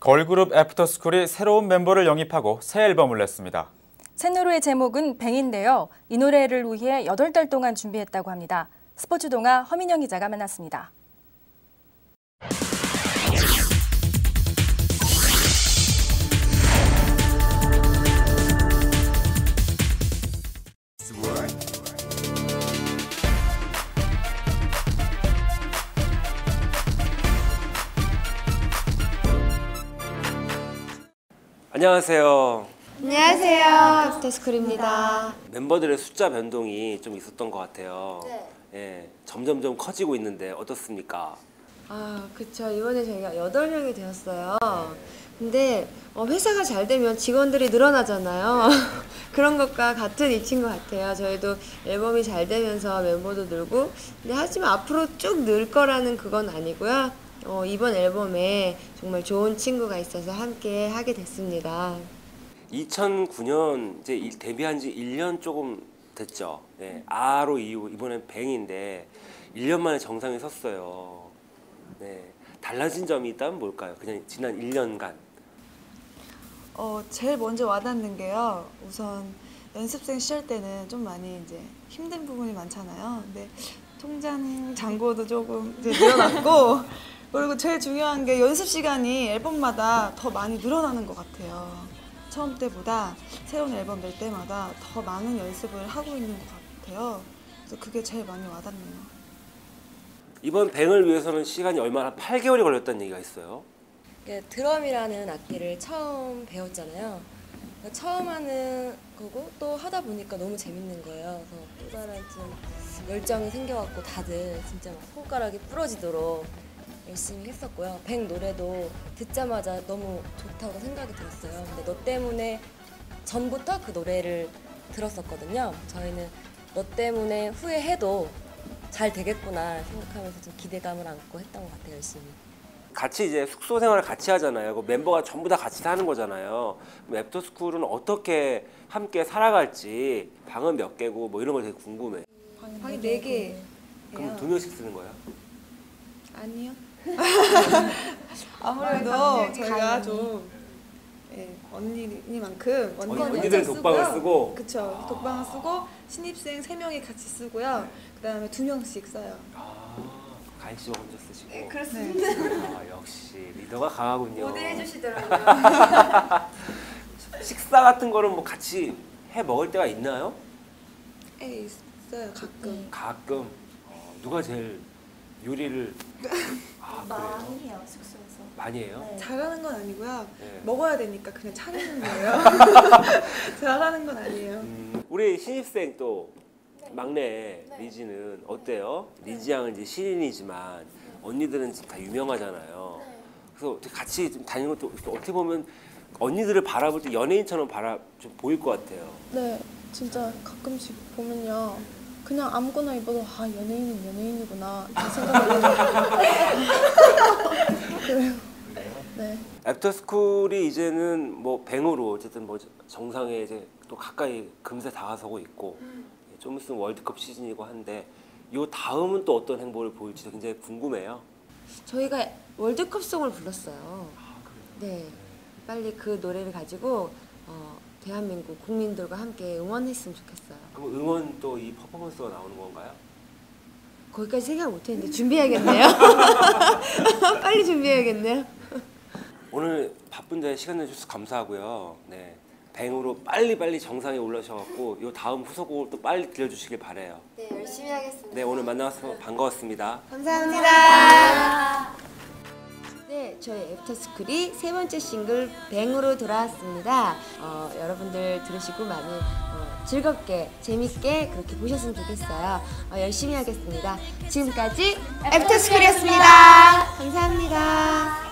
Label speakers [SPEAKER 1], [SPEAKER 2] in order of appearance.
[SPEAKER 1] 걸그룹 애프터스쿨이 새로운 멤버를 영입하고 새 앨범을 냈습니다.
[SPEAKER 2] 새 노래의 제목은 뱅인데요. 이 노래를 위해 8달 동안 준비했다고 합니다. 스포츠 동아 허민영 기자가 만났습니다.
[SPEAKER 3] 안녕하세요.
[SPEAKER 4] 안녕하세요. 애프터스쿨입니다.
[SPEAKER 3] 멤버들의 숫자 변동이 좀 있었던 것 같아요.
[SPEAKER 4] 네.
[SPEAKER 3] 예, 점점점 커지고 있는데 어떻습니까?
[SPEAKER 4] 그쵸. 이번에 저희가 8명이 되었어요. 근데 회사가 잘 되면 직원들이 늘어나잖아요. 그런 것과 같은 이치인 것 같아요. 저희도 앨범이 잘 되면서 멤버도 늘고, 근데 하지만 앞으로 쭉 늘 거라는 그건 아니고요. 이번 앨범에 정말 좋은 친구가 있어서 함께 하게 됐습니다.
[SPEAKER 3] 2009년 이제 데뷔한 지 1년 조금 됐죠. 네, 아로 이후 이번엔 뱅인데 1년 만에 정상에 섰어요. 네, 달라진 점이 있다면 뭘까요? 그냥 지난 1년간.
[SPEAKER 5] 제일 먼저 와닿는 게요. 우선 연습생 시절 때는 좀 많이 이제 힘든 부분이 많잖아요. 근데 통장 잔고도 조금 이제 늘어났고 그리고 제일 중요한 게 연습 시간이 앨범마다 더 많이 늘어나는 것 같아요. 처음 때보다 새로운 앨범 낼 때마다 더 많은 연습을 하고 있는 것 같아요. 그래서 그게 제일 많이 와닿네요.
[SPEAKER 3] 이번 뱅을 위해서는 시간이 얼마나 8개월이 걸렸다는 얘기가 있어요.
[SPEAKER 4] 드럼이라는 악기를 처음 배웠잖아요. 처음 하는 거고 또 하다 보니까 너무 재밌는 거예요. 그래서 또 다른 좀 열정이 생겨갖고 다들 진짜 막 손가락이 부러지도록 열심히 했었고요. 뱅 노래도 듣자마자 너무 좋다고 생각이 들었어요. 근데 너 때문에 전부터 그 노래를 들었었거든요. 저희는 너 때문에 후회해도 잘 되겠구나 생각하면서 좀 기대감을 안고 했던 것 같아요. 열심히.
[SPEAKER 3] 같이 이제 숙소 생활을 같이 하잖아요. 그 멤버가 전부 다 같이 사는 거잖아요. 그럼 애프터스쿨은 어떻게 함께 살아갈지, 방은 몇 개고 뭐 이런 거 되게 궁금해.
[SPEAKER 5] 방이 4개.
[SPEAKER 3] 그럼 2명씩 쓰는 거예요?
[SPEAKER 5] 아니요. 아무래도 저희가 좀 언니니만큼
[SPEAKER 3] 언니들 독방을 쓰고.
[SPEAKER 5] 그쵸. 독방을 쓰고 신입생 3명이 같이 쓰고요. 그 다음에 2명씩 써요.
[SPEAKER 3] 가인 씨가 혼자 쓰시고.
[SPEAKER 5] 네, 그렇습니다.
[SPEAKER 3] 역시 리더가 강하군요.
[SPEAKER 4] 모델해주시더라고요.
[SPEAKER 3] 식사 같은 거는 뭐 같이 해 먹을 때가 있나요?
[SPEAKER 5] 네, 있어요. 가끔.
[SPEAKER 3] 가끔. 누가 제일 요리를
[SPEAKER 6] 많이 해요, 숙소에서.
[SPEAKER 3] 많이 해요?
[SPEAKER 6] 네.
[SPEAKER 5] 잘하는 건 아니고요.
[SPEAKER 3] 네.
[SPEAKER 5] 먹어야 되니까 그냥 차리는 거예요. 잘하는 건 아니에요.
[SPEAKER 3] 우리 신입생 또 막내 리지는 어때요? 리지 양은 이제 신인이지만 언니들은 지금 다 유명하잖아요. 그래서 같이 좀 다니는 것도 어떻게 보면 언니들을 바라볼 때 연예인처럼 좀 보일 것 같아요.
[SPEAKER 6] 네, 진짜 가끔씩 보면요. 그냥 아무거나 입어도 연예인은 연예인이구나 이 생각을 그래요. 네.
[SPEAKER 3] 애프터스쿨이 이제는 뭐 뱅으로 어쨌든 뭐 정상에 이제 또 가까이 금세 다가서고 있고 좀 있으면 월드컵 시즌이고 한데 이 다음은 또 어떤 행보를 보일지 굉장히 궁금해요.
[SPEAKER 4] 저희가 월드컵송을 불렀어요. 네, 빨리 그 노래를 가지고 대한민국 국민들과 함께 응원했으면 좋겠어요.
[SPEAKER 3] 그럼 응원 또 이 퍼포먼스가 나오는 건가요?
[SPEAKER 4] 거기까지 생각 못했는데 준비해야겠네요. 빨리 준비해야겠네요.
[SPEAKER 3] 오늘 바쁜데 시간 내주셔서 감사하고요. 네, 뱅으로 빨리 정상에 올라오셔갖고 이 다음 후속곡을 또 빨리 들려주시길 바래요.
[SPEAKER 4] 네, 열심히 하겠습니다.
[SPEAKER 3] 네, 오늘 만나서 반가웠습니다.
[SPEAKER 4] 감사합니다. 네, 저희 애프터스쿨이 3번째 싱글 뱅으로 돌아왔습니다. 여러분들 들으시고 많이 즐겁게 재밌게 그렇게 보셨으면 좋겠어요. 열심히 하겠습니다. 지금까지 애프터스쿨이었습니다. 감사합니다.